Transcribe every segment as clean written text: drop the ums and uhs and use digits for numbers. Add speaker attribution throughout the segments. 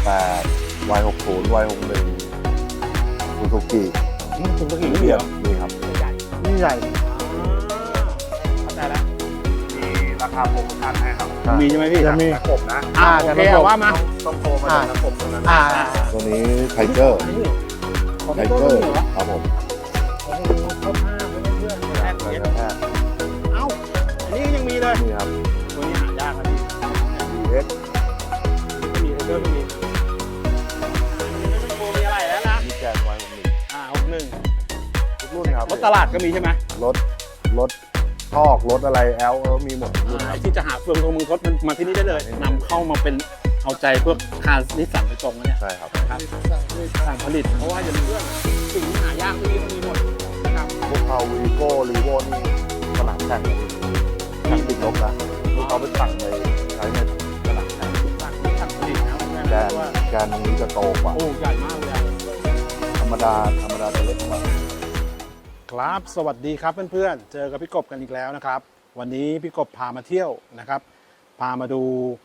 Speaker 1: 78 Y60 Y61 ซูซูกิ
Speaker 2: ซูซูกินี่เหรอ
Speaker 1: นี่ครับ
Speaker 2: ใหญ่
Speaker 3: นี่ใหญ่
Speaker 2: เข้าใจแล้ว
Speaker 1: มีราคาโปรโมชั่นให้ครับ
Speaker 2: มีใช่ไหมพี่
Speaker 3: จะมี
Speaker 1: ระบบนะ
Speaker 2: โอเคเอาว่ามา
Speaker 1: ต้องโทรมาจากระบบตรงนั้น ตัวนี้ไทเกอร์
Speaker 2: ของ
Speaker 1: ไท
Speaker 2: ไทเก
Speaker 1: เก
Speaker 2: อ
Speaker 1: อ
Speaker 2: ร์
Speaker 1: ร์
Speaker 2: เหรอ
Speaker 1: ครับผม
Speaker 2: โอ้โหเข้าท่าเพื่อนๆแรก
Speaker 1: เล
Speaker 2: เย็
Speaker 1: ย
Speaker 2: น
Speaker 1: นะฮะ
Speaker 2: เอ้าอันนี้ก็ยังมีเลย
Speaker 1: นี่ครับ
Speaker 2: ตัวนี้หายากนะพี่
Speaker 1: DX
Speaker 2: ไม่มีไทเกอร์ไม่มีโมีอะไรแล้วนะ
Speaker 1: มีแกน Y61
Speaker 2: 61
Speaker 1: ทุกรุ่นครับ
Speaker 2: รถตลาดก็มีใช่ไหม
Speaker 1: รถทอกรถอะไรแอลมีหมดทุกรุ่นค
Speaker 2: ไอ้
Speaker 1: รับ
Speaker 2: ที่จะหาเฟืองทงมือทดมันมาที่นี่ได้เลยนำเข้ามาเป็นเอาใจพวกคาร์นิสสันโดยตรงนะเนี่ย
Speaker 1: ใช่ครับ
Speaker 2: ครับสั่งผลิตเพราะว่าอย่าลืมเรื่องสิ่งที่หายากที่นี่ต้องมีหมดนะครับ
Speaker 1: พวกเขาวีโก้รีโวนี่สนามแข่งนะพี่แข่งติดลบนะที่เขาไปสั่งไปใช้ในสนามแข่ง
Speaker 2: สั่งผลิตนะเพื่อน
Speaker 1: แก
Speaker 2: นะ
Speaker 1: น
Speaker 2: ว่า
Speaker 1: แกนตรงนี้จะโตกว่า
Speaker 2: โอ้ใหญ่มากเลยอะ
Speaker 1: ธรรมดาจะเล็กกว่า
Speaker 2: ครับสวัสดีครับเพื่อนๆเจอกับพี่กบกันอีกแล้วนะครับ วันนี้พี่กบพามาเที่ยวนะครับ พามาดู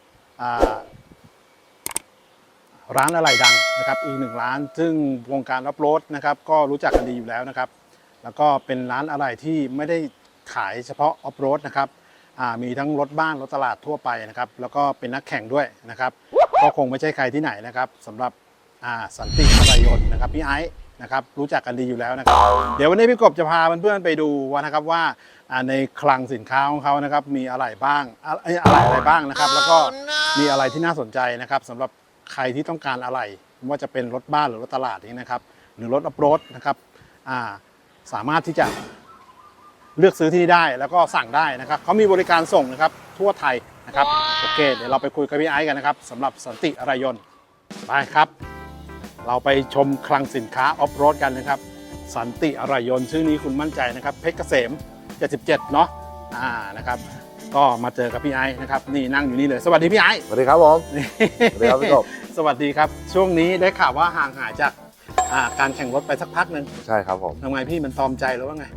Speaker 2: ร้านอะไหล่ดังนะครับอีกหนึ่งร้านซึ่งวงการอัพโรดนะครับก็รู้จักกันดีอยู่แล้วนะครับ แล้วก็เป็นร้านอะไหล่ที่ไม่ได้ขายเฉพาะออฟโรดนะครับมีทั้งรถบ้านรถตลาดทั่วไปนะครับแล้วก็เป็นนักแข่งด้วยนะครับก็คงไม่ใช่ใครที่ไหนนะครับสำหรับสันติอะไหล่ยนต์นะครับพี่ไอซ์นะครับรู้จักกันดีอยู่แล้วนะครับเดี๋ยววันนี้พี่กบจะพาเพื่อนๆไปดูว่านะครับว่าในคลังสินค้าของเขานะครับมีอะไรบ้างอะไรบ้างนะครับแล้วก็มีอะไรที่น่าสนใจนะครับสำหรับใครที่ต้องการอะไรไม่ว่าจะเป็นรถบ้านหรือรถตลาดนี้นะครับหรือรถออฟโรดนะครับสามารถที่จะเลือกซื้อที่นี่ได้แล้วก็สั่งได้นะครับเขามีบริการส่งนะครับทั่วไทยนะครับโอเคเดี๋ยวเราไปคุยกับพี่ไอซ์กันนะครับสำหรับสันติอะไหล่ยนต์ไปครับ เราไปชมคลังสินค้าออฟโรดกันนะครับสันติอะไหล่ยนต์ชื่อนี้คุณมั่นใจนะครับเพชรเกษม 77 เนาะนะครับก็มาเจอกับพี่ไอซ์นะครับนี่นั่งอยู่นี่เลยสวัสดีพี่ไอซ์
Speaker 1: สวัสดีครับผมสวัสดีครับพี่กบ
Speaker 2: สวัสดีครับช่วงนี้ได้ข่าวว่าห่างหายจากการแข่งรถไปสักพักหนึ่ง
Speaker 1: ใช่ครับผม
Speaker 2: ทำไมพี่มันตอมใจหรือว่าไง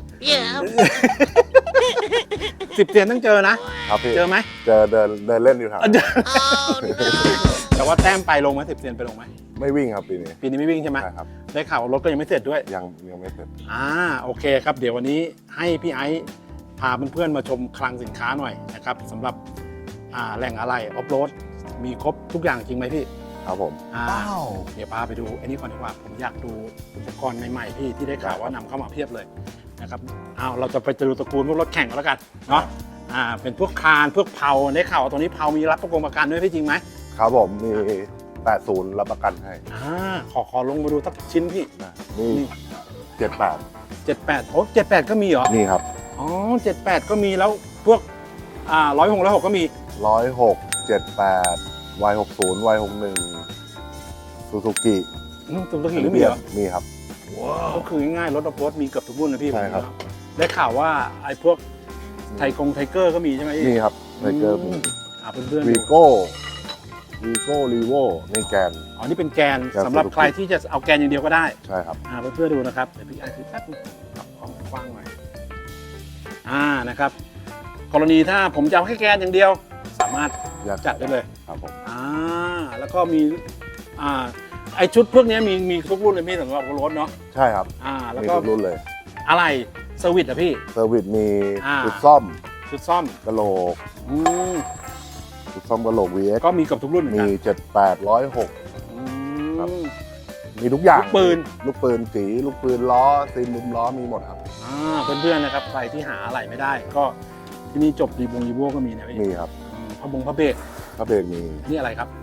Speaker 2: 10 เตียนต้องเจอนะครับ
Speaker 1: พี่
Speaker 2: เจอไหม
Speaker 1: เจอเดินเล่นอยู่ครับ
Speaker 2: แต่ว่าแต้มไปลงไหม10 เตียนไปลงไหม
Speaker 1: ไม่วิ่งครับปีนี้
Speaker 2: ปีนี้ไม่วิ่งใช่ไหม
Speaker 1: ใช่ครับ
Speaker 2: ได้ข่าวว่ารถก็ยังไม่เสร็จด้วย
Speaker 1: ยังไม่เสร็จ
Speaker 2: โอเคครับเดี๋ยววันนี้ให้พี่ไอซ์พาเพื่อนๆมาชมคลังสินค้าหน่อยนะครับสำหรับแหล่งอะไหล่ออฟโรดมีครบทุกอย่างจริงไหมพี่
Speaker 1: ครับผม
Speaker 2: เดี๋ยวพาไปดูอันนี้ก่อนดีกว่าผมอยากดูอุปกรณ์ใหม่ๆพี่ที่ได้ข่าวว่านำเข้ามาเพียบเลยนะครับเราจะไปดูตระกูลพวกรถแข่งกันแล้วกันเนาะเป็นพวกคานพวกเพาได้ข่าวว่าตัวนี้เพามีรับประกันด้วยพี่จริงไหม
Speaker 1: ครับผมมี 80 รับประกันให้
Speaker 2: ขอลงมาดูสักชิ้นพี่
Speaker 1: นี่ 78
Speaker 2: 78โอ้78ก็มีเหรอ
Speaker 1: นี่ครับ
Speaker 2: อ๋อ78ก็มีแล้วพวก106ก็มี
Speaker 1: 106 78 Y60 Y61 ซูซูกิ
Speaker 2: ตัวตัวขี่ก็มีเหรอ
Speaker 1: มีครับ
Speaker 2: ก็คือง่ายๆรถออฟโรดมีเกือบทุกรุ่นนะพี่
Speaker 1: ใช่ครับ
Speaker 2: ได้ข่าวว่าไอ้พวกไทเกอร์ก็มีใช่ไหมพี่
Speaker 1: นี่ครับไทเกอร์มี
Speaker 2: เพื่อนๆ
Speaker 1: วี
Speaker 2: ดู
Speaker 1: โก้รีโวในแกน
Speaker 2: อ๋อนี่เป็นแกน
Speaker 1: แกน
Speaker 2: สำหรับ
Speaker 1: Suzuki
Speaker 2: ใครที่จะเอาแกนอย่างเดียวก็ได้
Speaker 1: ใช่ครับ
Speaker 2: เพื่อนๆดูนะครับเดี๋ยวพี่ไอซ์ถือแป๊บนึงปรับความกว้างหน่อยนะครับกรณีถ้าผมจะเอาแค่แกนอย่างเดียว สามารถจัดได้เลย
Speaker 1: ครับผม
Speaker 2: แล้วก็มีไอชุดพวกนี้มีทุกรุ่นเลยพี่สำหรับรถเนาะ
Speaker 1: ใช่ครับ
Speaker 2: แล้ว
Speaker 1: มี
Speaker 2: ก็
Speaker 1: ทุกรุ่นเลย
Speaker 2: อะไรเซอร์วิสอะพี่
Speaker 1: เซอร์วิสมี
Speaker 2: อ่า
Speaker 1: ชุดซ่อม
Speaker 2: ชุดซ่อม
Speaker 1: กระโหลก
Speaker 2: อืม
Speaker 1: ชุดซ่อมกระโหลก VX
Speaker 2: ก็มีกับทุกรุ่นเหมือน
Speaker 1: มี
Speaker 2: กัน
Speaker 1: 78 106
Speaker 2: อื
Speaker 1: ครับ
Speaker 2: ม
Speaker 1: มีทุกอย่าง
Speaker 2: ลูกปืน
Speaker 1: ลูกปืนสีลูกปืนล้อซีนมุมล้อมีหมดครับ
Speaker 2: เพื่อนๆนะครับใครที่หาอะไรไม่ได้ ก็ที่นี่จบรีโวก็มีนะพี่
Speaker 1: มีครับ
Speaker 2: พระเบรก
Speaker 1: พระเบรกมี
Speaker 2: นี่อะไรครับ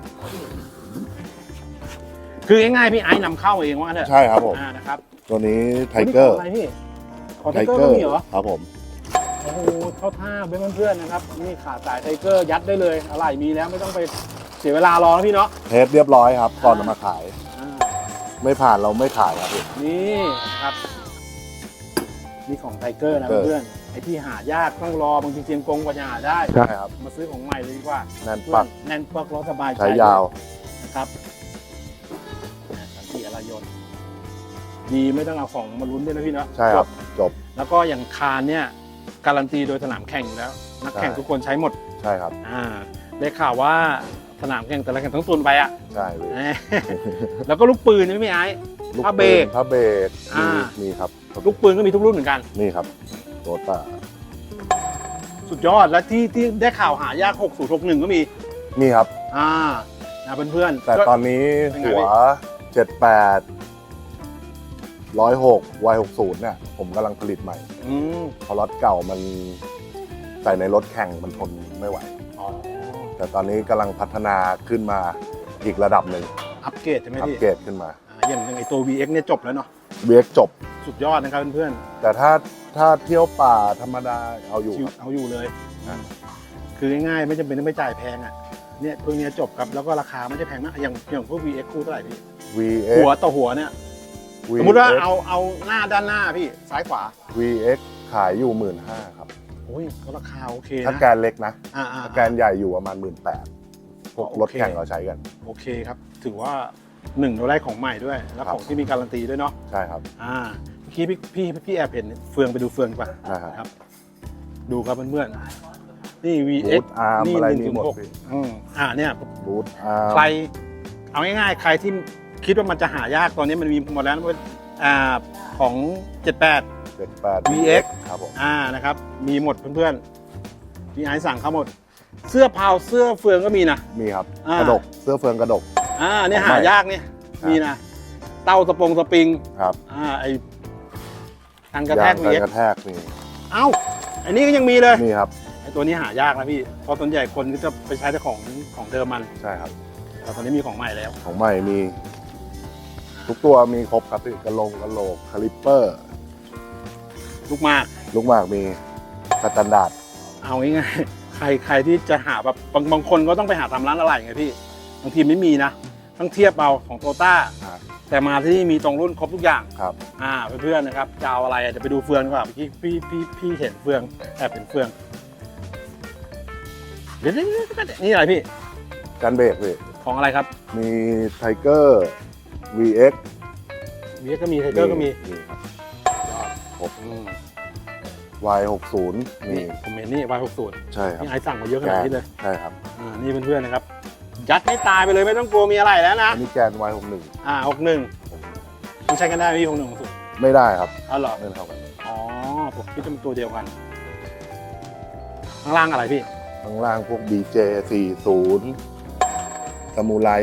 Speaker 2: คือง่ายๆพี่ไอ้นำเข้าเองว่าเถอะ
Speaker 1: ใช่ครับผม
Speaker 2: นะครับ
Speaker 1: ตัวนี้ไทเกอร์
Speaker 2: นี่ของอะไรพี่ของไทเกอร์ก็มีเหรอ
Speaker 1: ครับผม
Speaker 2: โอ้โหเข้าท่าเพื่อนๆนะครับนี่ขาสายไทเกอร์ยัดได้เลยอะไรมีแล้วไม่ต้องไปเสียเวลารอแล้วพี่เนาะ
Speaker 1: เทสเรียบร้อยครับ ก่อนนำมาขาย
Speaker 2: อ่า
Speaker 1: ไม่ผ่านเราไม่ขายครับพี่
Speaker 2: นี่ครับนี่ของไทเกอร์นะ
Speaker 1: Tiger
Speaker 2: เพื่อนๆไอ้ที่หายากต้องรอบางทีเตรียมกงกว่าจะหาได้
Speaker 1: ใช่ครับ
Speaker 2: มาซื้อของใหม่เลยดีกว่า
Speaker 1: แน่นปัก
Speaker 2: แน่นปักรถสบายใจ
Speaker 1: ใช้ยาว
Speaker 2: นะครับสันติอะไหล่ยนต์ดีไม่ต้องเอาของมาลุ้นด้วยนะพี่เนาะ
Speaker 1: ใช่ครับ จบ
Speaker 2: แล้วก็อย่างคานเนี่ยการันตีโดยสนามแข่งอยู่แล้ว นักแข่ง
Speaker 1: ใช่
Speaker 2: ทุกคนใช้หมด
Speaker 1: ใช่ครับ
Speaker 2: ได้ข่าวว่าสนามแข่งแต่ละแข่งต้องตุนไปอ่ะ
Speaker 1: ใช่พี่
Speaker 2: แล้วก็ลูกปืนนี่พี่ไอ้
Speaker 1: ลูก
Speaker 2: ผ้าเบรก
Speaker 1: ผ้าเบรก
Speaker 2: อ่า
Speaker 1: มีครับ
Speaker 2: ลูกปืนก็มีทุกรุ่นเหมือนกัน
Speaker 1: นี่ครับโตต้า
Speaker 2: สุดยอดแล้วที่ได้ข่าวหายาก6061ก็มี
Speaker 1: นี่ครับ
Speaker 2: นะเพื่อนๆ
Speaker 1: แต่
Speaker 2: ก็
Speaker 1: ตอนนี้
Speaker 2: เป็นไง
Speaker 1: หัว
Speaker 2: พี่
Speaker 1: 78 106 Y60 เนี่ยผมกำลังผลิตใหม่
Speaker 2: อืม
Speaker 1: เพราะรถเก่ามันใส่ในรถแข่งมันทนไม่ไหว
Speaker 2: อ๋อ
Speaker 1: แต่ตอนนี้กำลังพัฒนาขึ้นมาอีกระดับหนึ่ง
Speaker 2: อัปเกรดใช่ไหม
Speaker 1: อัป
Speaker 2: พี่
Speaker 1: เกรดขึ้นมา
Speaker 2: อย่างไอตัว VX เนี่ยจบแล้วเนาะ
Speaker 1: เวียกจบ
Speaker 2: สุดยอดนะครับเพื่อน
Speaker 1: แต่ถ้าเที่ยวป่าธรรมดาเอาอยู่ครับ
Speaker 2: เอาอยู่เลย
Speaker 1: อ่า
Speaker 2: คือง่ายๆไม่จำเป็นต้องไปจ่ายแพงอ่ะเนี่ยพวกเนี้ยจบครับแล้วก็ราคาไม่ได้แพงมากอย่างพวก VX คู่เท่าไหร่พี่
Speaker 1: VX
Speaker 2: หัวต่อหัวเนี่ยสมมติว่าเอาหน้าด้านหน้าพี่ซ้ายขวา
Speaker 1: VX ขายอยู่ 15,000 ครับ
Speaker 2: โอ้ยก็ราคาโอเค
Speaker 1: ถ้า
Speaker 2: นะ
Speaker 1: แกนเล็กนะ
Speaker 2: อ่า
Speaker 1: ถ้าแกนใหญ่อยู่ประมาณ 18,000 พวกรถแข่งเราใช้กัน
Speaker 2: โอเคครับถือว่าเราได้ของใหม่ด้วย แล้ว
Speaker 1: ครับ
Speaker 2: ของที่มีการันตีด้วยเนาะ
Speaker 1: ใช่ครับ
Speaker 2: เมื่อกี้พี่แอบเห็นเฟืองไปดูเฟืองก่อน
Speaker 1: นะครับ
Speaker 2: ดูครับเพื่อนๆนี่ VX
Speaker 1: บูทอาร์มอะไรมีหมด
Speaker 2: 106
Speaker 1: พี่
Speaker 2: เนี่ย
Speaker 1: บูทอาร์ม
Speaker 2: ใครเอาง่ายๆ ใครที่คิดว่ามันจะหายากตอนนี้มันมีหมดแล้วนะของ 78
Speaker 1: 78
Speaker 2: VX
Speaker 1: ครับผม
Speaker 2: นะครับมีหมดเพื่อนๆพี่ไอซ์สั่งเขาหมด เสื้อเผาเสื้อเฟืองก็มีนะ
Speaker 1: มีครับ
Speaker 2: อ่า
Speaker 1: กระดกเสื้อเฟืองกระดก
Speaker 2: เนี่ย
Speaker 1: ของใหม่
Speaker 2: หายากเนี่ย
Speaker 1: ครับ
Speaker 2: มีนะเต้าสปริง
Speaker 1: ครับ
Speaker 2: ไอกันกระแทก
Speaker 1: ยาง
Speaker 2: VX
Speaker 1: กระแทกมี
Speaker 2: เอ้าอันนี้ก็ยังมีเลย
Speaker 1: นี่ครับ
Speaker 2: ไอตัวนี้หายากนะพี่เพราะส่วนใหญ่คนก็จะไปใช้แต่ของเดิมมัน
Speaker 1: ใช่ครับ
Speaker 2: แต่ตอนนี้มีของใหม่แล้ว
Speaker 1: ของใหม่มี ทุกตัวมีครบครับพี่กระโหลกคาลิปเปอร์
Speaker 2: ลูกมาก
Speaker 1: ลูกหมากมีสแตนดาร์ด
Speaker 2: เอาง่ายๆใครที่จะหาแบบบางคนก็ต้องไปหาตามร้านอะไรไงพี่บางทีไม่มีนะต้องเทียบเอาของโตต้าแต่มาที่นี่มีตรงรุ่นครบทุกอย่าง
Speaker 1: ครับ
Speaker 2: เพื่อนๆนะครับจะเอาอะไรเดี๋ยวไปดูเฟืองดีกว่าเมื่อกี้พี่เห็นเฟืองแอบเห็นเฟืองเดี๋ยวนี่อะไรพี่
Speaker 1: กันเบรกพี่
Speaker 2: ของอะไรครับ
Speaker 1: มีไทเกอร์ VX
Speaker 2: มีก็มีไทเกอร์ก็มี
Speaker 1: ครับ
Speaker 2: ครบ
Speaker 1: Y60 มี
Speaker 2: นี่ผมเห็นนี่ Y60
Speaker 1: ใช่ครับ
Speaker 2: นี่ไอสั่งมาเยอะขนาดนี้เลย
Speaker 1: ใช่ครับ
Speaker 2: นี่เพื่อนๆนะครับยัดให้ตายไปเลยไม่ต้องกลัวมีอะไรแล้วนะ
Speaker 1: อันนี้แกน Y61
Speaker 2: 61มันใช้กันได้ไหมพี่61สุด
Speaker 1: ไม่ได้ครับ
Speaker 2: อ๋อเหรอ
Speaker 1: ไม่เท่ากัน
Speaker 2: อ๋อผมคิดว่าเป็นตัวเดียวกัน ข้างล่างอะไรพี่
Speaker 1: ข้างล่างพวก BJ40 ซามูไร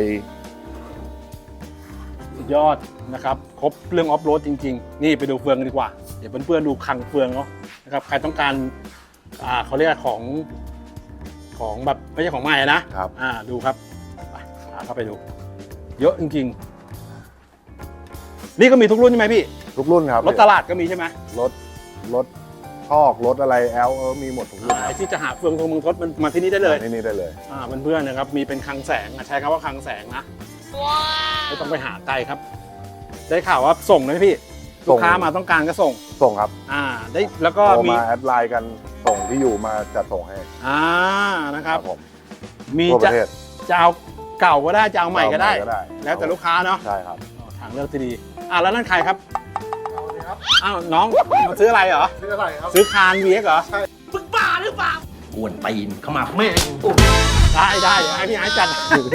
Speaker 2: สุดยอดนะครับครบเรื่องออฟโรดจริงๆ นี่ไปดูเฟืองกันดีกว่า เดี๋ยวเพื่อนๆดูคลังเฟืองเนาะนะครับใครต้องการเขาเรียกของแบบไม่ใช่ของใหม่นะครับ ดูครับไปเข้าไปดู เยอะจริงๆ นี่ก็มีทุกรุ่นใช่ไหมพี่
Speaker 1: ทุกรุ่นครับ
Speaker 2: รถตลาดก็มีใช่ไหม
Speaker 1: รถชอกรถอะไรแอลมีหมดทุกรุ่นค
Speaker 2: ไอ้
Speaker 1: รับ
Speaker 2: ที่จะหาเฟืองทงมึงทดมันมาที่นี่ได้เลย
Speaker 1: ที่นี่ได้เลย
Speaker 2: เพื่อนๆนะครับมีเป็นคลังแสงใช้คำว่าคลังแสงนะไม่ต้องไปหาไกลครับ ได้ข่าวว่าส่งนะพี่
Speaker 1: ส่
Speaker 2: ลู
Speaker 1: ง
Speaker 2: กค้ามาต้องการก็ส่ง
Speaker 1: ส่งครับ
Speaker 2: ได้แล้วก็
Speaker 1: โทร
Speaker 2: มี
Speaker 1: มาแอดไลน์กันส่งที่อยู่มาจัดส่งให้
Speaker 2: นะครับ
Speaker 1: ผม
Speaker 2: มี
Speaker 1: ทั่วป
Speaker 2: จะ
Speaker 1: ระเทศ
Speaker 2: จะเอาเก่าก็ได้จะเอาใหม่ก็ได้
Speaker 1: เอา
Speaker 2: แล้วแต่ลูกค้าเนาะ
Speaker 1: ใช่ครับ
Speaker 2: ทางเลือกที่ดีแล้วนั่นใครครับอ้าวน้องมาซื้ออะไรเหรอ
Speaker 1: ซื้ออะไรครับ
Speaker 2: ซื้อคาน VX เหรอ
Speaker 3: มึงบ้าหรือเปล่าก วนตีนเข้ามาแม่ง
Speaker 2: ได้เดี๋ยวให้พี่ไอ้จัด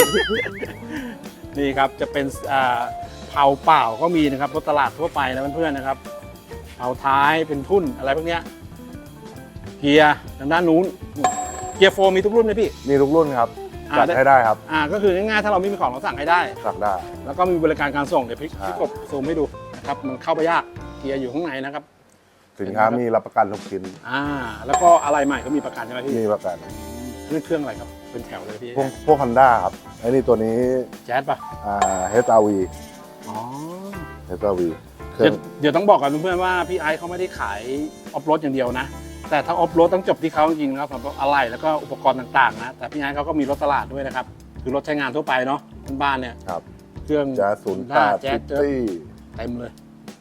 Speaker 2: นี่ครับจะเป็นเผาเปล่าก็มีนะครับรถตลาดทั่วไปนะเพื่อนๆนะครับเผาท้ายเป็นทุ่นอะไรพวกเนี้ยเกียร์ทางด้านนู้นเกียร์โฟมมีทุกรุ่นไหมพี่
Speaker 1: มีทุกรุ่นครับจัดให้ได้ครับ
Speaker 2: ก็คือง่ายๆถ้าเราไม่มีของเราสั่งให้ได้
Speaker 1: สั่งได้
Speaker 2: แล้วก็มีบริการการส่งเดี๋ยวพี่
Speaker 1: ใช่
Speaker 2: กบซูมให้ดูนะครับมันเข้าไปยากเกียร์อยู่ข้างในนะครับ
Speaker 1: สินค้ามีรับประกันทุกชิ้น
Speaker 2: แล้วก็อะไรใหม่ก็มีประกันใช่ไหมพี่
Speaker 1: มีประกัน
Speaker 2: นี่เครื่องอะไรครับเป็นแถวเลยพี่
Speaker 1: พวก Honda ครับไอ้นี่ตัวนี้
Speaker 2: แจ๊สป่ะ
Speaker 1: HRV
Speaker 2: อ๋อ
Speaker 1: HRV เครื่
Speaker 2: เดี๋
Speaker 1: อง
Speaker 2: ยวต้องบอกกับเพื่อนๆว่าพี่ไอซ์เขาไม่ได้ขายออฟโรดอย่างเดียวนะ แต่ถ้าออฟโรดต้องจบที่เขาจริงๆนะครับสำหรับอะไรแล้วก็อุปกรณ์ต่างๆนะแต่พี่ไอซ์เขาก็มีรถตลาดด้วยนะครับคือรถใช้งานทั่วไปเนาะบ้านๆเนี่ย
Speaker 1: ครับ
Speaker 2: เครื่อง
Speaker 1: แจ๊ส
Speaker 2: Honda
Speaker 1: 08
Speaker 2: แจ๊ส
Speaker 1: City
Speaker 2: เต็มเลย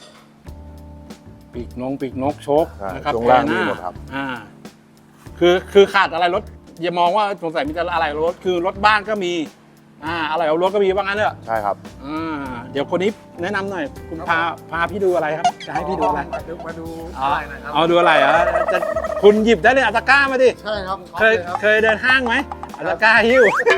Speaker 2: ปีกนกโชค
Speaker 1: ใช่
Speaker 2: นะครับ
Speaker 1: ช่วงล่าง
Speaker 2: แพรห
Speaker 1: มี
Speaker 2: น้า
Speaker 1: หมดครับ
Speaker 2: คือขาดอะไรรถอย่ามองว่าสงสัยมีแต่อะไรรถคือรถบ้านก็มีอะไรเอารถก็มีว่างั้นเถอะ
Speaker 1: ใช่ครับ
Speaker 2: เดี๋ยวคนนี้แนะนำหน่อยคุณพาพี่ดูอะไรครับจะให้พี่ดูอะไร
Speaker 4: มาดูอะไรหน่อยครับ
Speaker 2: เอาดูอะไรเหรอจะคุณหยิบได้เลยอัตาก้ามาดิ
Speaker 4: ใช่ครับ
Speaker 2: เคยเดินห้างไหมอัตาก้าหิ้ว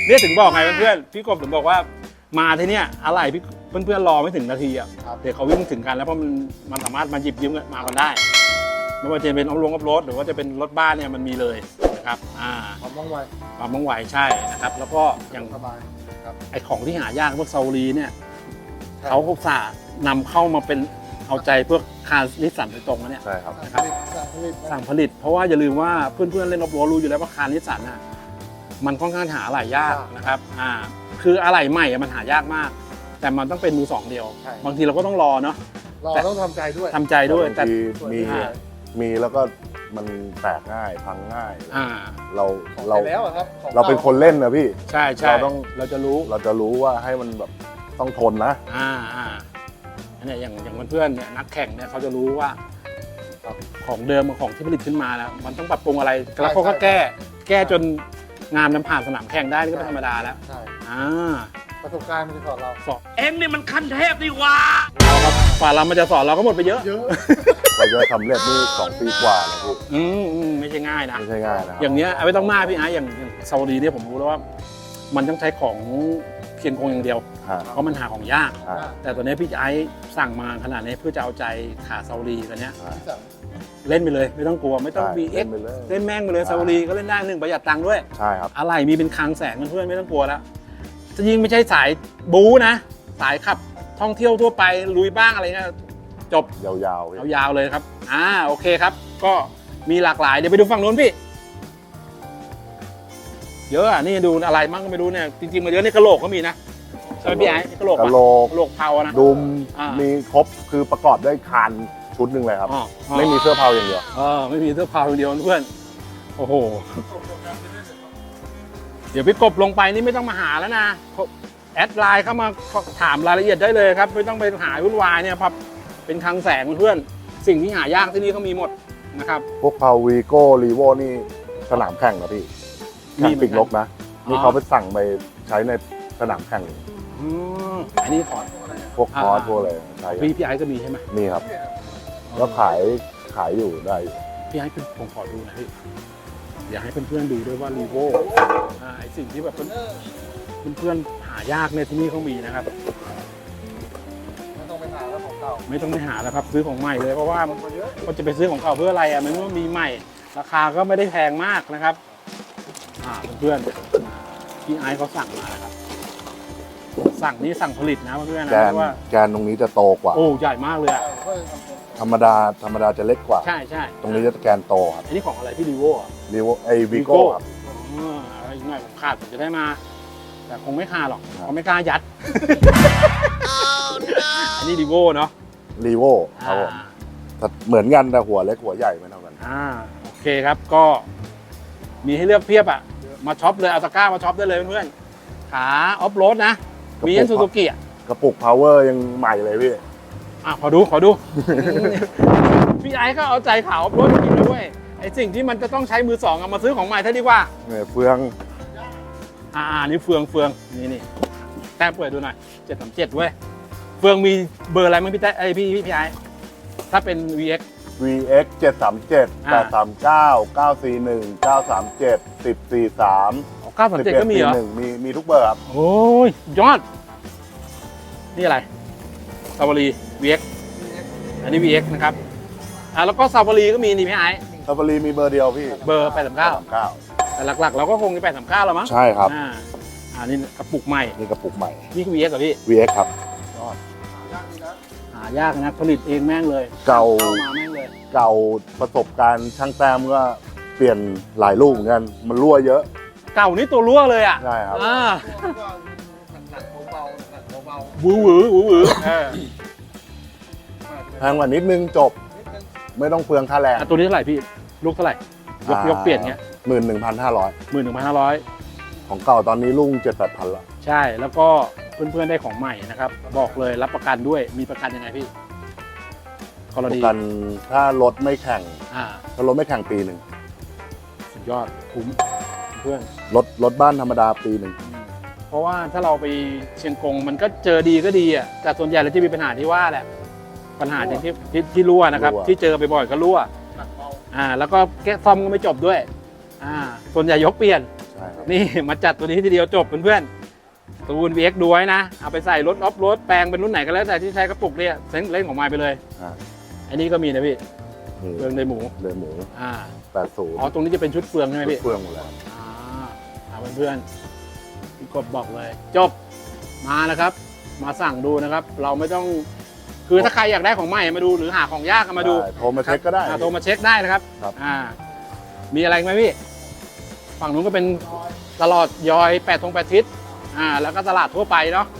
Speaker 2: เนี่ยถึงบอกไงเพื่อนๆพี่กบถึงบอกว่ามาที่เนี่ยอะไรพี่เพื่อนๆรอไม่ถึงนาทีอ่ะ
Speaker 1: ครับ
Speaker 2: เดี๋ยวเขาวิ่งถึงกันแล้วเพราะมันสามารถมาหยิบยืมมากันได้ไม่ว่าจะเป็นออฟโรถหรือว่าจะเป็นรถบ้านเนี่ยมันมีเลยนะครับ
Speaker 1: ความว่องไว
Speaker 2: ความว่องไวใช่นะครับแล้วก็อย่าง
Speaker 1: สบายครับ
Speaker 2: ไอของที่หายากพวกซาอุรีเนี่ยเขาอุตส่าห์นำเข้ามาเป็นเอาใจพวกคาร์นิสสันโดยตรงนะเนี่ย
Speaker 1: ใช่ครับ
Speaker 2: นะครับสั่งผลิตเพราะว่าอย่าลืมว่าเพื่อนๆเล่นรถรู้อยู่แล้วว่าคาร์นิสสันน่ะมันค่อนข้างหาอะไหล่ยากนะครับคืออะไหล่ใหม่มันหายากมาก แต่มันต้องเป็นมือสองเดียว บางทีเราก็ต้องรอเนาะ
Speaker 1: เราต้องทำใจด้วย
Speaker 2: ทำใจด้วยแต่
Speaker 1: มีแล้วก็มันแตกง่ายพังง่าย เรา
Speaker 4: เราแล้วอะครับ
Speaker 1: เราเป็นคนเล่นนะพี่
Speaker 2: ใช่ใช่เราจะรู้
Speaker 1: เราจะรู้ว่าให้มันแบบต้องทนนะ
Speaker 2: อันนี้อย่างเพื่อนๆเนี่ยนักแข่งเนี่ยเขาจะรู้ว่าของเดิมกับของที่ผลิตขึ้นมาแล้วมันต้องปรับปรุงอะไรแล้วเขาก็แก้จนงานมันผ่านสนามแข่งได้นี่ก็เป็นธรรมดาแล้ว
Speaker 4: ใช่
Speaker 1: ประสบการณ์มันจะสอนเรา
Speaker 2: สอน
Speaker 3: เอ็งนี่มันขั้นเทพดีกว่า
Speaker 2: เราครับฝ่าเรามันจะสอนเราก็หมดไปเยอะ
Speaker 1: เราจะสำเร็จนี่2 ปีกว่าแล้วพี่
Speaker 2: ไม่ใช่ง่ายนะ
Speaker 1: ไม่ใช่ง่ายนะครับ
Speaker 2: อย่างเนี้ยไม่ต้องมากพี่อาร์อย่างซาอุดีเนี่ยผมรู้แล้วว่า มันต้องใช้ของเพียงคงอย่างเดียว เพราะมันหาของยาก แต่ตัวนี้พี่ไอ้สั่งมาขนาดนี้เพื่อจะเอาใจขาซาอุดีตัวเนี้ยเล่นไปเลยไม่ต้องกลัวไม่ต้อง BX เล่นแม่งไปเลยซาอุดีก็เล่นได้1ประหยัดตังค์ด้วย
Speaker 1: ใช่ครับ
Speaker 2: อะไรมีเป็นคลังแสงเพื่อนๆไม่ต้องกลัวแล้วจะยิ่งไม่ใช่สายบู๊นะสายขับท่องเที่ยวทั่วไปลุยบ้างอะไรเงี้ยจบ
Speaker 1: ยาวๆ
Speaker 2: ยาวๆเลยครับโอเคครับ ก็มีหลากหลายเดี๋ยวไปดูฝั่งนู้นพี่เยอะนี่ดูอะไรมั่งก็ไม่รู้เนี่ยจริงๆมาเยอะนี่กระโหลกก็มีนะใช่ไหมพี่ไอ้กระโหลก
Speaker 1: กะโหลก
Speaker 2: กระโหลกเผานะ
Speaker 1: ดุม
Speaker 2: อ่ามี
Speaker 1: มีครบคือประกอบด้วยคานชุดหนึ่งเลยครับ ไม่มีเสื้อเผาอย่างเดียว
Speaker 2: ไม่มีเสื้อเผาอย่างเดียวเพื่อนโอ้โหเดี๋ยวพี่กบลงไปนี่ไม่ต้องมาหาแล้วนะแอดไลน์เข้ามาถามรายละเอียดได้เลยครับไม่ต้องไปหาวุ่นวายเนี่ยครับเป็นคลังแสงเพื่อนสิ่งที่หายากที่นี่เขามีหมดนะครับ
Speaker 1: พวกเผาวีโก้รีโวนี่สนามแข่งนะพี่แข่งปิกลกนะนี่เขาไปสั่งไปใช้ในสนามแข่ง
Speaker 2: อันนี้ขอ
Speaker 1: พวกคอร์สพวกอะไรใช่
Speaker 2: พี่ไอ้ก็มีใช่ไหม
Speaker 1: นี่ครับแล้วขายอยู่ได้อยู่
Speaker 2: พี่ไอ้ผมขอดูหน่อยพี่อยากให้เพื่อนๆดูด้วยว่ารีโวไอสิ่งที่แบบเพื่อนๆหายากเนี่ยที่นี่เขามีนะครับ
Speaker 4: ไม่ต้องไปหาแล้วของเก่า
Speaker 2: ไม่ต้องไปหาแล้วครับซื้อของใหม่เลยเพราะว่ามันจะไปซื้อของเก่าเพื่ออะไรมันว่ามีใหม่ราคาก็ไม่ได้แพงมากนะครับเพื่อนๆพี่ไอซ์เขาสั่งมานะครับสั่งนี่สั่งผลิตนะเพื่อนๆนะว่า
Speaker 1: แกนตรงนี้จะโตกว่า
Speaker 2: โอ้ใหญ่มากเลยอะ
Speaker 1: ธรรมดาจะเล็กกว่า
Speaker 2: ใช่ใช่
Speaker 1: ตรงนี้จะแกนโตครับ
Speaker 2: อันนี้ของอะไรพี่รีโว
Speaker 1: รีโววีโก้ครับ
Speaker 2: อีกหน่อยผมขาดผมจะได้มา แต่คงไม่ขาดหรอก
Speaker 1: ครับ
Speaker 2: เขาไม่กล้ายัด อันนี้รีโวเนาะ
Speaker 1: รีโวครับผมแต่เหมือนกันแต่หัวเล็กหัวใหญ่ไม่เท่ากัน
Speaker 2: โอเคครับก็มีให้เลือกเพียบอ่ะมาช็อปเลยเอาตะกร้ามาช็อปได้เลยเพื่อนๆขาออฟโรดนะมียันซูซูกิอ่ะ
Speaker 1: กระปุกพาวเวอร์ยังใหม่เลยพี่
Speaker 2: ขอดู พี่ไอ้ก็เอาใจขาออฟโรดจริงๆนะเว้ยไอสิ่งที่มันจะต้องใช้มือสองเอามาซื้อของใหม่เท่าดีกว่า
Speaker 1: เนี่ยเฟือง
Speaker 2: นี่เฟืองนี่แต้มเปิดดูหน่อย737เว้ยเฟืองมีเบอร์อะไรมั้งพี่แต้พี่ไอ้ถ้าเป็น VX
Speaker 1: VX 737 839 941 937 1043
Speaker 2: 937ก็มีเหรอ
Speaker 1: มีทุกเบอร์ครับ
Speaker 2: โอ้ยยอด นี่อะไรซาวารี VX อันนี้ VX นะครับแล้วก็ซาวารีก็มีนี่พี่ไอ้
Speaker 1: ซาฟารีมีเบอร์เดียวพี่
Speaker 2: เบอร์839แต่หลักๆเราก็คงจะ839แล้วมั้ง
Speaker 1: ใช่ครับ
Speaker 2: นี่กระปุกใหม่
Speaker 1: นี่กระปุกใหม่
Speaker 2: นี่คือ VX เหรอพี่
Speaker 1: VX ครับ
Speaker 2: หายากนะผลิตเองแม่งเลย
Speaker 1: เก่า
Speaker 2: มาแม่งเลย
Speaker 1: เก่าประสบการณ์ช่างแต้มก็เปลี่ยนหลายลูกเหมือนกัน มันรั่วเยอะ
Speaker 2: เก่านี่ตัวรั่วเลยอ่ะ
Speaker 1: ใช่ครับ
Speaker 4: หนักเบาๆหนักเบา
Speaker 2: หวือ
Speaker 1: แพงกว่านิดนึงจบ ไม่ต้องเปลืองค่าแรง
Speaker 2: ตัวนี้เท่าไหร่พี่ลูกเท่าไหร่ยกเปลี่ยนเงี้ย
Speaker 1: 11,500
Speaker 2: 11,500
Speaker 1: ของเก่าตอนนี้ลุง7-8,000ละ
Speaker 2: ใช่แล้วก็เพื่อนๆได้ของใหม่นะครับบอกเลยรับประกันด้วยมีประกันยังไงพี่กร
Speaker 1: ประ
Speaker 2: ณี
Speaker 1: กันถ้ารถไม่แข่ง
Speaker 2: อ่า
Speaker 1: ถ้ารถไม่แข่งปีหนึ่ง
Speaker 2: สุดยอดคุ้มเพื่อน
Speaker 1: รถบ้านธรรมดาปีหนึ่ง
Speaker 2: เพราะว่าถ้าเราไปเชียงกงมันก็เจอดีก็ดีอ่ะแต่ส่วนใหญ่เราจะมีปัญหาที่ว่าแหละปัญหาอย่างที่รั่วนะครับที่เจอบ่อยๆก็รั่ว
Speaker 4: ๆหนักเบา
Speaker 2: แล้วก็แก้ซ่อมก็ไม่จบด้วยส่วนใหญ่ยกเปลี่ยน
Speaker 1: ใช่ครับ
Speaker 2: นี่มาจัดตัวนี้ทีเดียวจบเพื่อนๆตูน VX ดูไว้นะเอาไปใส่รถออฟโรดแปลงเป็นรุ่นไหนก็แล้วแต่ที่ใช้กระปุกเนี่ยเล่นของไม้ไปเลย
Speaker 1: อ่า
Speaker 2: อันนี้ก็มีนะพี่
Speaker 1: นี่
Speaker 2: เฟืองในหมู
Speaker 1: เลยหมู
Speaker 2: อ่า
Speaker 1: 80
Speaker 2: อ๋อตรงนี้จะเป็นชุดเฟืองใช่ไหมพี่
Speaker 1: เฟืองหมดแล้ว
Speaker 2: เอาเพื่อนๆพี่กบบอกเลย จบมานะครับ มาสั่งดูนะครับ เราไม่ต้องคือถ้าใครอยากได้ของใหม่มาดูหรือหาของยากก็มาดู
Speaker 1: ได้โทรมาเช็คก็ได้
Speaker 2: โทรมาเช็คได้นะครับ
Speaker 1: ครับ
Speaker 2: มีอะไรไหมพี่ ฝั่งนู้นก็เป็นตลอดยอย8 ทิศแล้วก็ตลาดทั่วไปเนาะ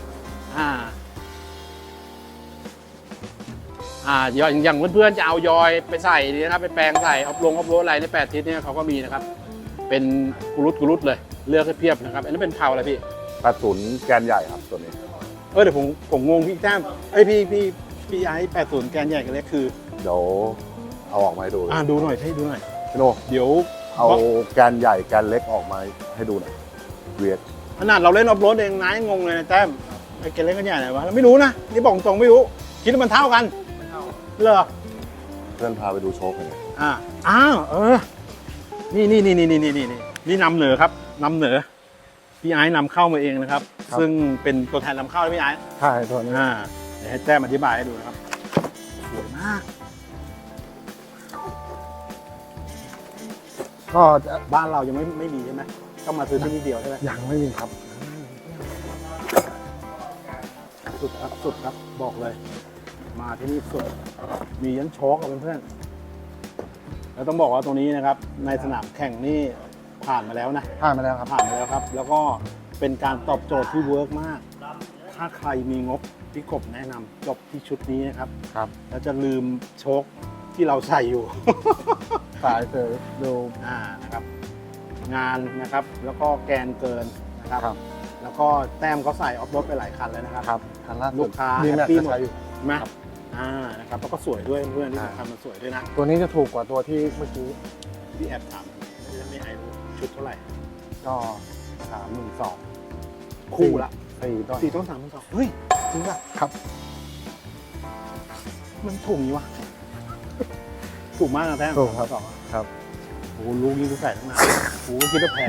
Speaker 2: อย่างเพื่อนๆจะเอายอยไปใส่นี่นะครับไปแปลงใส่ออฟโรดอะไรใน8 ทิศเนี่ยเขาก็มีนะครับ เป็นกุรุตเลยเลือกให้เพียบนะครับอันนี้เป็นเผาอะไรพี่
Speaker 1: 80 แกนใหญ่ครับตัวนี้
Speaker 2: เดี๋ยวผมงงพี่แต้มพี่ไอ้80 แกนใหญ่กันเล็กคือ
Speaker 1: เดี๋ยวเอาออกมาให้ดูเลย
Speaker 2: ดูหน่อยให้ดูหน่อย
Speaker 1: พี่โน
Speaker 2: เดี๋ยว
Speaker 1: เอาแกนใหญ่แกนเล็กออกมาให้ดูหน่อยเวียด
Speaker 2: ขนาดเราเล่นออฟโรดเองนะยังงงเลยนะแต้มไอ้แกนเล็กกันใหญ่ไหนวะเราไม่รู้นะนี่บอกตรงไม่รู้คิดว่ามันเท่ากันเหรอ
Speaker 1: เพื่อนพาไปดูโชคหน่อย
Speaker 2: นี่นำเหนือครับนำเหนือพี่ไอ้นำเข้ามาเองนะครับ ซึ่งเป็นตัวแทนนำเข้าพี่ไอ้
Speaker 1: ใช่ตัวนี้
Speaker 2: เดี๋ยวให้แต้มอธิบายให้ดูนะครับสวยมาก
Speaker 1: ก็
Speaker 2: บ้านเรายังไม่มีใช่ไหมต้องมาซื้อที่นี่เดียวใช่ไหม
Speaker 1: ยังไม่มีครับ
Speaker 2: สุดครับบอกเลย มาที่นี่สุดมียันโชกกับเพื่อนๆแล้วต้องบอกว่าตรงนี้นะครับ ในสนามแข่งนี่ผ่านมาแล้วนะ
Speaker 1: ผ่านมาแล้วครับ
Speaker 2: ผ่านมาแล้วครับ แล้วก็เป็นการตอบโจทย์ที่เวิร์กมาก ถ้าใครมีงบพี่กบแนะนำจบที่ชุดนี้นะครับ
Speaker 1: ครับ
Speaker 2: แล้วจะลืมโชคที่เราใส่อยู่
Speaker 1: สายเซอร์ดู
Speaker 2: นะครับ งานนะครับ แล้วก็แกนเกินนะครับ
Speaker 1: ครับ
Speaker 2: แล้วก็แต้มเขาใส่ออฟโรดไปหลายคันแล้วนะครับ
Speaker 1: ครับคันล่าสุด
Speaker 2: ลูกค้า
Speaker 1: ดี
Speaker 2: แฮ
Speaker 1: แม็
Speaker 2: ป
Speaker 1: ก
Speaker 2: ปี้
Speaker 1: ซ์
Speaker 2: หมด
Speaker 1: ใช้อยู่
Speaker 2: ใช่ไหมนะครับแล้วก็สวยด้วยเพื่อนที่สำคัญมันสวยด้วยนะ
Speaker 1: ตัวนี้จะถูกกว่าตัวที่เมื่อกี้
Speaker 2: พี่แอบถามไม่ไอรู้ชุดเท่าไหร่
Speaker 1: ก็32,000
Speaker 2: คู่ละ
Speaker 1: 4ต้น
Speaker 2: 4 ต้น 3,200เฮ้ยจริงป่ะ
Speaker 1: ครับ
Speaker 2: มันถูกนี้วะ ถูกมากนะแต้ม
Speaker 1: ถูกครับ
Speaker 2: 3,200อะ
Speaker 1: ครับ
Speaker 2: โอ้โหลูกนี้กูใส่ตั้งนานโอ้โหคิดว่าแพง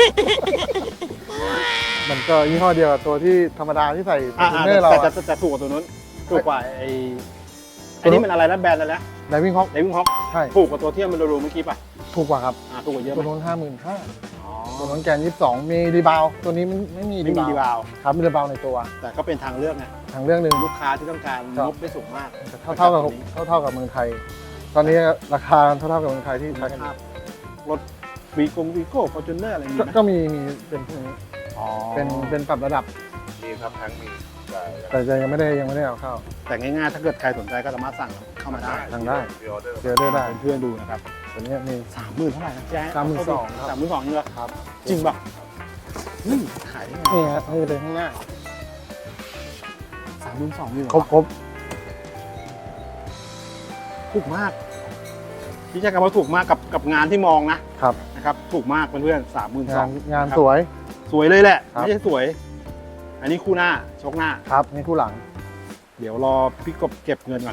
Speaker 1: มันก็ยี่ห้อเดียวกับตัวที่ธรรมดาที่ใส่
Speaker 2: อ่า
Speaker 1: เนอร์เรา
Speaker 2: แต่ถูกกว่าตัวนู้นถูกกว่าไอ้นี่มันอะไรนะแบรนด์อะไรนะ
Speaker 1: ไดวิ่งฮอก
Speaker 2: ไดวิ่งฮอก
Speaker 1: ใช่
Speaker 2: ถูกกว่าตัวที่มันดูเมื่อกี้ป่ะ
Speaker 1: ถูกกว่าครับ
Speaker 2: ถูกกว่าเยอะไห
Speaker 1: ตัว
Speaker 2: ม
Speaker 1: นู้น 55,000
Speaker 2: อ๋อ
Speaker 1: ตัวนู้นแกน 22 มีรีบาวด์ตัวนี้ไม่มี
Speaker 2: ไม่มีดีบาว
Speaker 1: ครับมีรีบาวด์ในตัว
Speaker 2: แต่ก็เป็นทางเลือกไง
Speaker 1: ทางเรื่องหนึ่ง
Speaker 2: ลูกค้าที่ต้องการ
Speaker 1: ครับ
Speaker 2: งบไม่สูงมาก
Speaker 1: เท่ากับเมืองไทย ตอนนี้ราคาเท่ากับเมืองไทยที่ใช้กัน
Speaker 2: ครับรถวีโก้ฟอร์จูเนอร์อะไรมีไหม
Speaker 1: ก็มีเป็นพวกนี้
Speaker 2: อ๋อ
Speaker 1: เป็นปรับระดับ
Speaker 5: มีครับทั้งมี
Speaker 1: แต่ยังไม่ได้เอาเข้า
Speaker 2: แต่ง่ายๆถ้าเกิดใครสนใจก็สามารถสั่งเข้ามาได้
Speaker 1: ทางได้
Speaker 5: พรีออเดอร์
Speaker 1: เจอได้ได้
Speaker 2: เพื่อนๆดูนะครับ
Speaker 1: ตัวนี้มี
Speaker 2: 30,000เท่าไหร่นะแจ๊
Speaker 1: 32,000ครับ
Speaker 2: 32,000นี่เหรอ
Speaker 1: ครับ
Speaker 2: จริงป่ะขายได้ไง
Speaker 1: นี่ฮะนี่เลยข้างหน้า
Speaker 2: 32,000นี่เหรอ
Speaker 1: ครบ
Speaker 2: ถูกมากพี่แจ๊คว่าถูกมากกับงานที่มองนะครับ นะครับ ถูกมากเพื่อนๆ32,000
Speaker 1: งานสวย
Speaker 2: สวยเลยแหละ
Speaker 1: ครับ
Speaker 2: ไม่ใช่สวย อันนี้คู่หน้าชกหน้า
Speaker 1: ครับนี่คู่หลัง
Speaker 2: เดี๋ยวรอพี่กบเก็บเงินก่อน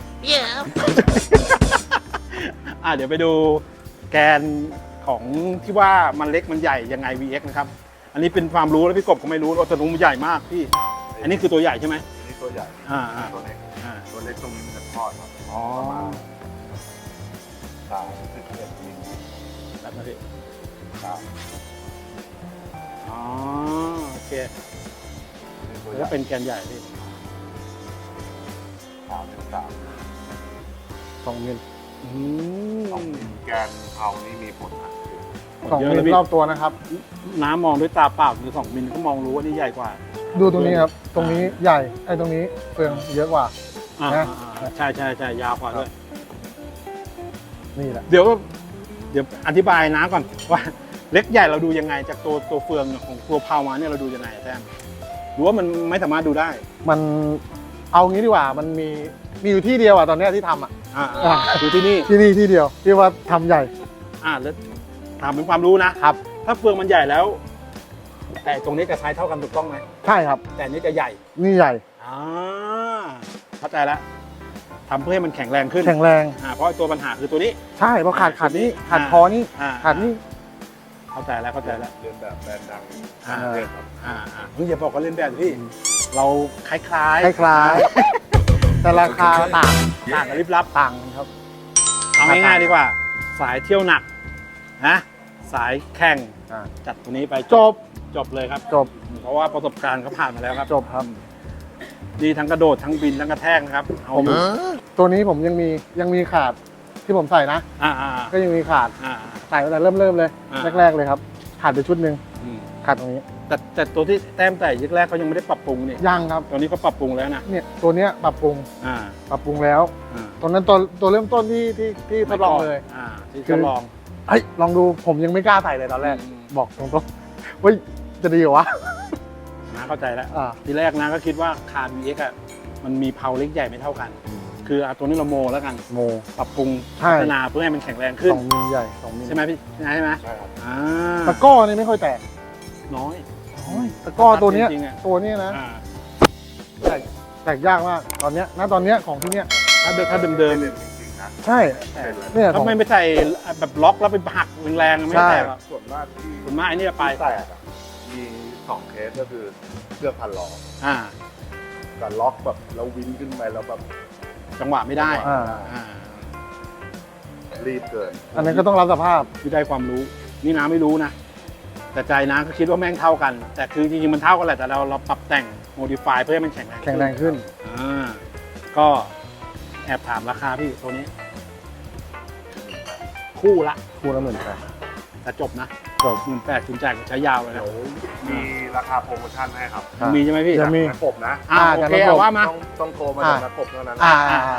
Speaker 2: เดี๋ยวไปดูแกนของที่ว่ามันเล็กมันใหญ่ยังไง VX นะครับ อันนี้เป็นความรู้แล้วพี่กบก็ไม่รู้ว่าตัวนู้นมันใหญ่มากพี่ อันนี้คือตัวใหญ่ใช่ไหม
Speaker 5: นี่ตัวใหญ่ ตัวเล็ก ตัวเล็กตรงนี้มันจะทอดครับ
Speaker 2: อ๋อ
Speaker 5: 31มิล
Speaker 2: แบบนั้นพี่
Speaker 5: ครับ
Speaker 2: อ๋อโอเค
Speaker 5: นี่ตัวให
Speaker 2: แล้
Speaker 5: ญ่
Speaker 2: วเป็นแกนใหญ่พี่
Speaker 5: 33
Speaker 1: 2 มิล
Speaker 2: อืม
Speaker 5: 2มิลแกนเผานี่มีผลอัดอยู่
Speaker 1: 2
Speaker 2: เยอะ
Speaker 1: มิ
Speaker 2: เล
Speaker 1: ล
Speaker 2: ยพี่
Speaker 1: รอบตัวนะครับ
Speaker 2: น้ำมองด้วยตาเปล่าคือ2 มิลก็มองรู้ว่านี่ใหญ่กว่า
Speaker 1: ดูตรงนี้ครับ ตรงนี้ใหญ่ไอ้ตรงนี้เฟืองเยอะกว่า นะ
Speaker 2: ใช่ยาวกว่าด้วย
Speaker 1: นี่แหละ
Speaker 2: เดี๋ยวอธิบายน้าก่อนว่าเล็กใหญ่เราดูยังไงจากตัวเฟืองของตัวพาวมาเนี่ยเราดูยังไงแซมหรือว่ามันไม่สามารถดูได้
Speaker 1: มันเอางี้ดีกว่ามันมีอยู่ที่เดียวอ่ะตอนเนี้ยที่ทำอ่ะ
Speaker 2: ดูที่นี่
Speaker 1: ที่นี่ที่เดียวที่ว่าทำใหญ่
Speaker 2: แล้วถามเป็นความรู้นะครับ ถ้าเฟืองมันใหญ่แล้ว แต่ตรงนี้จะใช้เท่ากันถูกต้องไหม
Speaker 1: ใช่ครับ
Speaker 2: แต่อันนี้จะใหญ่
Speaker 1: นี่ใหญ่
Speaker 2: เข้าใจแล้วทำเพื่อให้มันแข็งแรงขึ้น
Speaker 1: แข็งแรง
Speaker 2: เพราะตัวปัญหาคือตัวนี้
Speaker 1: ใช่เพราะขาดนี่ขาดคอนี่
Speaker 2: อ่า
Speaker 1: ขาดนี่
Speaker 2: พเข้าใจแล้วเข้าใจแล้ว
Speaker 5: เรียนแบบแบรนด์ดัง
Speaker 2: อ่า
Speaker 5: ประเทศครับ
Speaker 2: มึงอย่าบอกว่าเล่นแบบพี่ เราคล้าย
Speaker 4: คล้ายๆแต่ราคาต่าง
Speaker 2: ๆต่างกันลิบลับ
Speaker 4: ต่างกันครับ
Speaker 2: เอาง่ายๆดีกว่า สายเที่ยวหนักนะสายแข่ง
Speaker 4: อ่า
Speaker 2: จัดตัวนี้ไป
Speaker 4: จบ
Speaker 2: จบเลยครับ
Speaker 4: จบ
Speaker 2: เพราะว่าประสบการณ์เขาผ่านมาแล้วครับ
Speaker 4: จบครับ
Speaker 2: ดีทั้งกระโดดทั้งบินทั้งกระแทกนะครับเอา
Speaker 4: ผม
Speaker 2: อยู่
Speaker 4: ตัวนี้ผมยังมีขาดที่ผมใส่นะ
Speaker 2: อ่า
Speaker 4: ก็ยังมีขาด
Speaker 2: อ่า
Speaker 4: ใส่ตั้งแต่เริ่มเลย
Speaker 2: อ่า
Speaker 4: แรกๆเลยครับ ขาดไปชุดหนึ่ง
Speaker 2: อืม
Speaker 4: ขาดตรงนี้
Speaker 2: แต่ตัวที่แต้มแต่ยึกแรกเขายังไม่ได้ปรับปรุงนี่
Speaker 4: ยังครับ
Speaker 2: ตอนนี้เขาปรับปรุงแล้วนะ
Speaker 4: เนี่ยตัวเนี้ยปรับปรุง
Speaker 2: อ่า
Speaker 4: ปรับปรุงแล้ว
Speaker 2: อ่า
Speaker 4: ตอนนั้นตัวเริ่มต้นที่ทดลองเลย
Speaker 2: ที่ทดลอง
Speaker 4: เฮ้ยลองดูผมยังไม่กล้าใส่เลยตอนแรก
Speaker 2: อืม
Speaker 4: บอกตรงๆเฮ้ยจะดีเหรอวะ
Speaker 2: นะเข้าใจแล้ว
Speaker 4: อ่า
Speaker 2: ทีแรกนะก็คิดว่าคาร์ VX อ่ะมันมีเพาเล็กใหญ่ไม่เท่ากัน คือเอาตัวนี้เราโมแล้วกัน
Speaker 4: โม
Speaker 2: ปรับปรุง
Speaker 4: ใช่
Speaker 2: พัฒนาเพื่อให้มันแข็งแรงขึ้น
Speaker 4: 2 มิลใหญ่2 มิล
Speaker 2: ใช่ไหมพี่ใช่ไหม
Speaker 5: ใช่ครับ
Speaker 2: อ่า
Speaker 4: ตะกร้อนี่ไม่ค่อยแตก
Speaker 2: น้อย
Speaker 4: ตะกร้อตัวเนี้ย
Speaker 2: จริงๆอะ
Speaker 4: ตัวเนี้ยนะ
Speaker 2: อ่า
Speaker 4: แตกยากมากตอนเนี้ยณตอนเนี้ยของที่เนี้ย
Speaker 2: ถ้าเดิม
Speaker 5: ไม่
Speaker 2: เดิม
Speaker 5: เด่นจริงๆนะ
Speaker 4: ใช่
Speaker 2: แต่
Speaker 4: เนี่ยข
Speaker 2: ถ้า
Speaker 4: อง
Speaker 2: ไม่ไปใส่แบบล็อกแล้วไปหักแรงๆไม่แตกหรอก
Speaker 5: ส่วนมากที่
Speaker 2: ส่วนมากไอ้นี่ไป
Speaker 5: แตกอะมี2 เคสก็คือเครื่องพันล้อ
Speaker 2: อ่า
Speaker 5: กับล็อกแบบแล้ววินขึ้นไปแล้วแบบ
Speaker 2: จังหวะไม่ได้
Speaker 4: อ่า
Speaker 2: อ่า
Speaker 5: รีบเกิน
Speaker 4: อันนั้นก็ต้องรับสภาพ
Speaker 2: ที่ได้ความรู้ นี่น้าไม่รู้นะ แต่ใจน้าก็คิดว่าแม่งเท่ากัน แต่คือจริงๆมันเท่ากันแหละ แต่เราปรับแต่งโมดิฟายเพื่อให้มันแข็งแรง
Speaker 4: แข็งแรงขึ้น
Speaker 2: อ่าก็แอบถามราคาพี่ตัวนี้ คู่ละ
Speaker 4: คูณละ18,000
Speaker 2: แต่จบนะ
Speaker 4: จบ
Speaker 2: 18,000คุณจ่ายใช้ยาวเลยนะ
Speaker 5: เดี๋ยวมีราคาโปรโมชั่นให้ครับ
Speaker 2: ยังมีใช่ไหมพี่
Speaker 4: ยังมี
Speaker 5: นักกบนะ
Speaker 2: อ่า
Speaker 4: อ่า
Speaker 2: โอ
Speaker 4: แต่
Speaker 2: เค
Speaker 4: ระบบ
Speaker 2: เอาว่ามา
Speaker 5: ต้องโทรมาจากนักกบเท่านั้น
Speaker 4: อ่า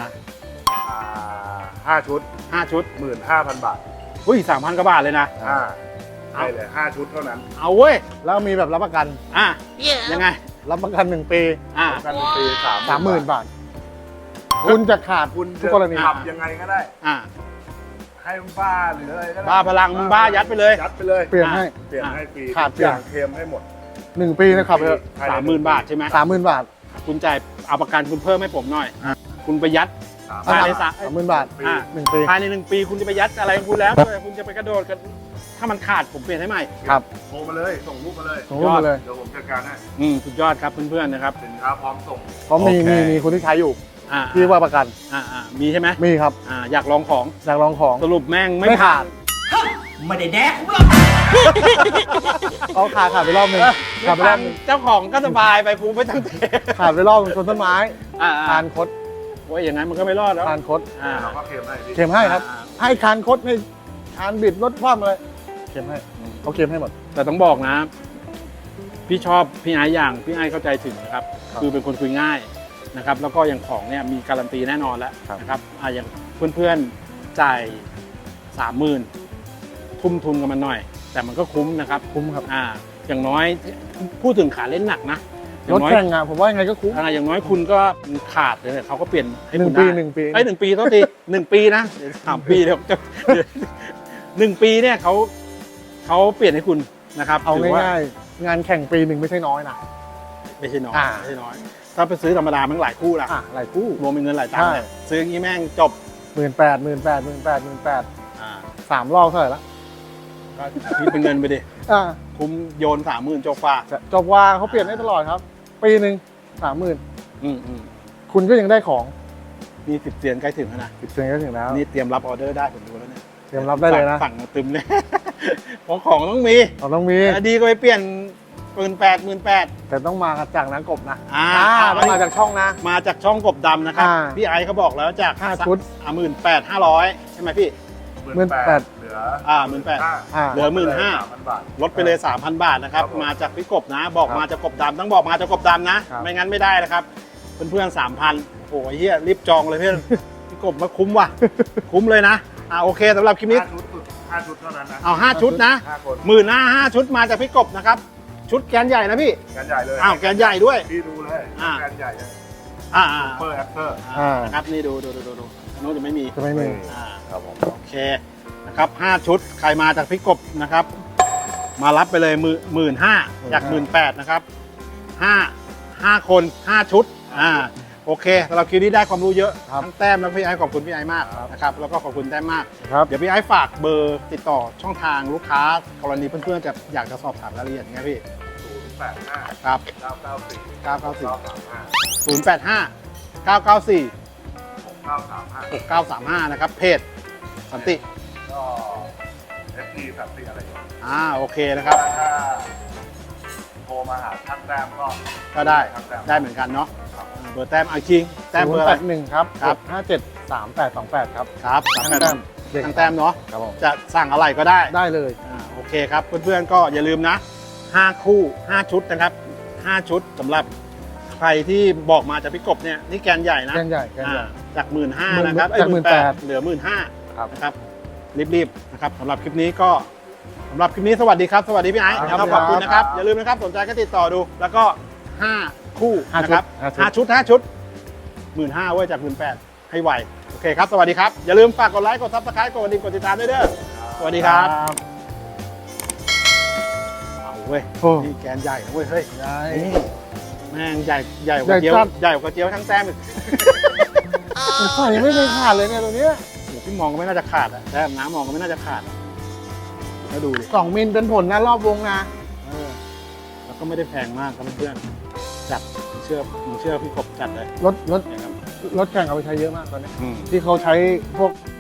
Speaker 5: 5 ชุด
Speaker 2: 5 ชุด
Speaker 5: 15,000 บาท
Speaker 2: อุ้ย3,000 กว่าบาทเลยนะ
Speaker 5: ให้เลย5 ชุดเท่านั้น
Speaker 2: เอาเว้ย
Speaker 4: แล้วมีแบบรับประกัน
Speaker 2: อ่ะยังไง
Speaker 4: รับประกัน1 ปี
Speaker 2: อ่ะ
Speaker 5: กันปี
Speaker 4: 30,000 บาท คุณจะขาด
Speaker 5: คุณ
Speaker 4: ทุกกรณี
Speaker 5: ขับยังไงก็ได้
Speaker 2: อ่ะ
Speaker 5: ให้มันบ้าหรืออะไรก็ได้
Speaker 2: บ้าพลังมึงบ้ายัดไปเลย
Speaker 5: ยัดไปเลย
Speaker 4: เปลี่ยนให้
Speaker 5: เปลี่ยนให้ฟรี
Speaker 4: ขาด
Speaker 5: ทุก
Speaker 4: เปลี่
Speaker 5: อย
Speaker 4: น
Speaker 5: ย่างเคลมให้หมด
Speaker 4: 1 ปีนะครับเ
Speaker 5: ภยใน
Speaker 2: 30,000 บาทใช่ไหม
Speaker 4: 30,000 บาท
Speaker 2: คุณจ่ายเอาประกันคุณเพิ่มให้ผมหน่อย คุณไปยัด
Speaker 5: สาม
Speaker 2: ภายใน
Speaker 4: 30,000 บาท
Speaker 5: ปี
Speaker 2: อ่ะ
Speaker 4: 1 ปี
Speaker 2: ภายใน1 ปีคุณจะไปยัดอะไรของคุณแล้วแต่คุณจะไปกระโดดกันถ้ามันขาดผมเปลี่ยนให้ใหม่
Speaker 4: ครับ
Speaker 5: โทรมาเลย ส่งรูปมาเลย
Speaker 4: ส่งรูปมาเลย
Speaker 5: เดี๋ยวผมจัดการให้
Speaker 2: สุดยอดครับเพื่อนๆนะครับ
Speaker 5: สินค้าพร้อมส่ง
Speaker 4: เพราะมี
Speaker 2: โอเค
Speaker 4: มีคนที่ใช้อยู่
Speaker 2: อ่า
Speaker 4: ที่ว่าประกัน
Speaker 2: มีใช่ไหม
Speaker 4: มีครับ
Speaker 2: อยากลองของ
Speaker 4: อยากลองของ
Speaker 2: สรุปแม่งไม่
Speaker 4: ไม่
Speaker 2: ผ่า
Speaker 4: ขาด
Speaker 2: น
Speaker 3: ไม่ได้แดกกูหรอก
Speaker 4: เอาขาดไปรอบหนึงขาดไปรอบหนึง
Speaker 2: เจ้าของก็สบายไปกูไม่ต้องเท
Speaker 4: ขาดไปรอบหนึ่งชนต้นไม้ คานคด
Speaker 2: โอ้ยอย่างนั้นมันก็ไม่รอดแล้ว
Speaker 4: คานคด
Speaker 5: เราก็เคลมให้พี่
Speaker 4: เข็มให้ครับ ให้คานคดให้คานบิดรถคว่ำอะไรเข็มให้เขาเข็มให้หมด
Speaker 2: แต่ต้องบอกนะ พี่ชอบพี่ไอ้อย่างพี่ไอ้เข้าใจถึงนะครับ
Speaker 4: ครับ
Speaker 2: คือเป็นคนคุยง่ายนะครับ แล้วก็อย่างของเนี่ยมีการันตีแน่นอนแล้ว
Speaker 4: ครับ
Speaker 2: นะครับอย่างเพื่อนๆจ่าย30,000ทุ่มทุนกับมันหน่อย แต่มันก็คุ้มนะครับ
Speaker 4: คุ้มครับ
Speaker 2: อย่างน้อยพูดถึงขาเล่นหนักนะอย่าร
Speaker 4: ถ
Speaker 2: งน้อย
Speaker 4: แข่งอะผมว่ายังไงก็คุ้ม
Speaker 2: อย่างน้อยคุณก็ขาดเลยเขาก็เปลี่ยนให้คุณ
Speaker 4: 1 ปี
Speaker 2: ได้
Speaker 4: 1 ปี
Speaker 2: ไอ้ย1 ปีต้องตี1 ปีนะเดี๋ยว3 ปีเดี๋ยว1 ปีเนี่ยเขาเปลี่ยนให้คุณนะครับ
Speaker 4: เอา
Speaker 2: ถืว่
Speaker 4: ง่ายๆงานแข่งปีหนึ่งไม่ใช่น้อยนะ
Speaker 2: ไม่ใช่น้อย
Speaker 4: อ่า
Speaker 2: ไม่ใช่น้อย ถ้าไปซื้อธรรมดามันหลายคู่ละ
Speaker 4: หลายคู่
Speaker 2: รวมเป็นเงินหลายตังค์
Speaker 4: ใช่
Speaker 2: เลยซื้ออย่างนี้แม่งจบ
Speaker 4: 18,000
Speaker 2: อ่า
Speaker 4: 3 รอบเท่าไหร่ละ
Speaker 2: ก็คิดเป็นเงินไปดิ
Speaker 4: อ่า
Speaker 2: คุ้มโยน30,000จบฟ้า
Speaker 4: จบว่าเขาเปลี่ยนได้ตลอดครับ ปีหนึ่ง30,000
Speaker 2: อืม
Speaker 4: คุณก็ยังได้ของ
Speaker 2: นี่10 เสียนใกล้ถึงแล้วนะ
Speaker 4: 10 เซนก็ถึงแล้ว
Speaker 2: นี่เตรียมรับออเดอร์ได้ผมดูแล้วเนี่ย
Speaker 4: เตรียมรับได้เลยนะ
Speaker 2: สั่งมาตึมเลย เพราะของต้องมี
Speaker 4: เราต้องมี
Speaker 2: ดีก็ไปเปลี่ยน18,000
Speaker 4: แต่ต้องมาจากนักกบนะ
Speaker 2: ต้อง
Speaker 4: มาจากช่องนะ
Speaker 2: มาจากช่องกบดำนะครับ
Speaker 4: อ่า
Speaker 2: พี่ไอซ์เขาบอกแล้วจาก
Speaker 4: 5 ชุด
Speaker 2: 18,500 ใช่ไหมพี่
Speaker 4: 18,000
Speaker 5: เหลือ
Speaker 2: เหลือ
Speaker 5: 15,000 บาท
Speaker 2: ลดไปเลย 3,000 บาทนะครับ
Speaker 5: ครับผม
Speaker 2: มาจากพี่กบนะ บอก
Speaker 4: ครับ
Speaker 2: มาจากกบดำต้องบอกมาจากกบดำนะ
Speaker 4: ครับ
Speaker 2: ไม่งั้นไม่ได้นะครับ เพื่อนๆ 3,000 โอ้โหเฮียรีบจองเลยเพื่อน พี่กบมาคุ้มว่ะ คุ้มเลยนะ โอเคสำหรับคลิปนี้
Speaker 5: 5 ชุดเท่านั้นนะ
Speaker 2: เอา5 ชุดนะ
Speaker 5: 5 คน
Speaker 2: 15,000 ชุดมาจากพี่กบนะครับ ชุดแกนใหญ่นะพี่
Speaker 5: กันใหญ่เลย
Speaker 2: แกนใหญ่ด้วย
Speaker 5: พี่ดูเลย
Speaker 2: อ่า
Speaker 5: กันใหญ่เลย
Speaker 2: อ่า
Speaker 5: เปอร์แอคเตอร์
Speaker 2: นะครับนี่ดูอันนู้นจะไม่มี
Speaker 4: จะไม่มี
Speaker 5: ครับผม
Speaker 2: โอเคนะครับ5 ชุดใครมาจากพี่กบนะครับ มารับไปเลย15,000จาก18,000นะครับ5คน5 ชุดโอเคสำหรับคลิปนี้ได้ความรู้เยอะ
Speaker 4: ครับ
Speaker 2: ทั้งแต้มและพี่ไอ้ขอบคุณพี่ไอ้มากนะครับแล้วก็ขอบคุณแต้มมาก
Speaker 4: ครับ
Speaker 2: เดี๋ยวพี่ไอ้ฝากเบอร์ติดต่อช่องทางลูกค้ากรณีเพื่อนๆจะอยากจะสอบถามรายละเอียดอย่างเงี้ยพี่
Speaker 5: 085
Speaker 2: ครับ
Speaker 5: 994
Speaker 2: 994 085 994
Speaker 5: 6935
Speaker 2: 6935นะครับเพจสันติ
Speaker 5: ก็ FP 34อะไรอย่างเงี้ย
Speaker 2: โอเคนะครับ
Speaker 5: ถ้าโทรมาหาช่างแต้มก็
Speaker 2: ได้
Speaker 5: ช่างแต้ม
Speaker 2: ได้เหมือนกันเนาะเบอร์แต้มเอาคิงแต้มเบอร์อะไร
Speaker 4: 081ครับ
Speaker 2: ครับ
Speaker 4: 573828ครับ
Speaker 2: ครับ
Speaker 4: ช่างแต้ม
Speaker 2: ทางแต้มเนาะ
Speaker 4: ครับผม
Speaker 2: จะสั่งอะไรก็ได้
Speaker 4: ได้เลย
Speaker 2: โอเคครับเพื่อนๆก็อย่าลืมนะ5คู่5ชุดนะครับ5ชุดสำหรับใครที่บอกมาจากพี่กบเนี่ยนี่แกนใหญ่นะ
Speaker 4: แกนใหญ่แกนใหญ่
Speaker 2: จาก 15,000นะครับ
Speaker 4: จาก
Speaker 2: 18,000เหลือ 15,000
Speaker 4: ครับ
Speaker 2: นะครับรีบๆนะครับสำหรับคลิปนี้ก็สำหรับคลิปนี้สวัสดีครับสวัสดีพี่ไอซ์
Speaker 4: ครับ
Speaker 2: นะครับขอบคุณนะครับอย่าลืมนะครับสนใจก็ติดต่อดูแล้วก็5คู่
Speaker 4: 5
Speaker 2: นะครับ
Speaker 4: ชุด
Speaker 2: 5ชุด 15,000เว้ยจาก 18,000ให้ไวโอเคครับสวัสดีครับอย่าลืมฝากกดไลค์กด Subscribe กดกระดิ่งกดติดตามด้วยเด้อสวัสดีครับเอาเว้ย
Speaker 4: โอ้
Speaker 2: นี่แกนใหญ่นะเว้ยเฮ้ย
Speaker 4: ได้
Speaker 2: นี่แม่งใหญ่กว่าเจียว
Speaker 4: ใหญ่จัด
Speaker 2: ใหญ่กว่าเจียวทั้งแต้มอีก
Speaker 4: ใส่ยังไม่เคยขาดเลยเนี่ยตัวเนี้ย
Speaker 2: โอ้โหพี่มองก็ไม่น่าจะขาดอะแต้มน้ำมองก็ไม่น่าจะขาดอะแล้วดูดิ
Speaker 4: 2 มิลเป็นผลนะรอบวงนะ
Speaker 2: แล้วก็ไม่ได้แพงมากครับเพื่อนๆจัดผมเชื่อพี่กบจัดเลย
Speaker 4: รถ
Speaker 2: นะครับ
Speaker 4: รถแข่งเอาไปใช้เยอะมากตอนนี้
Speaker 2: อืม
Speaker 4: ที่เขาใช้พวก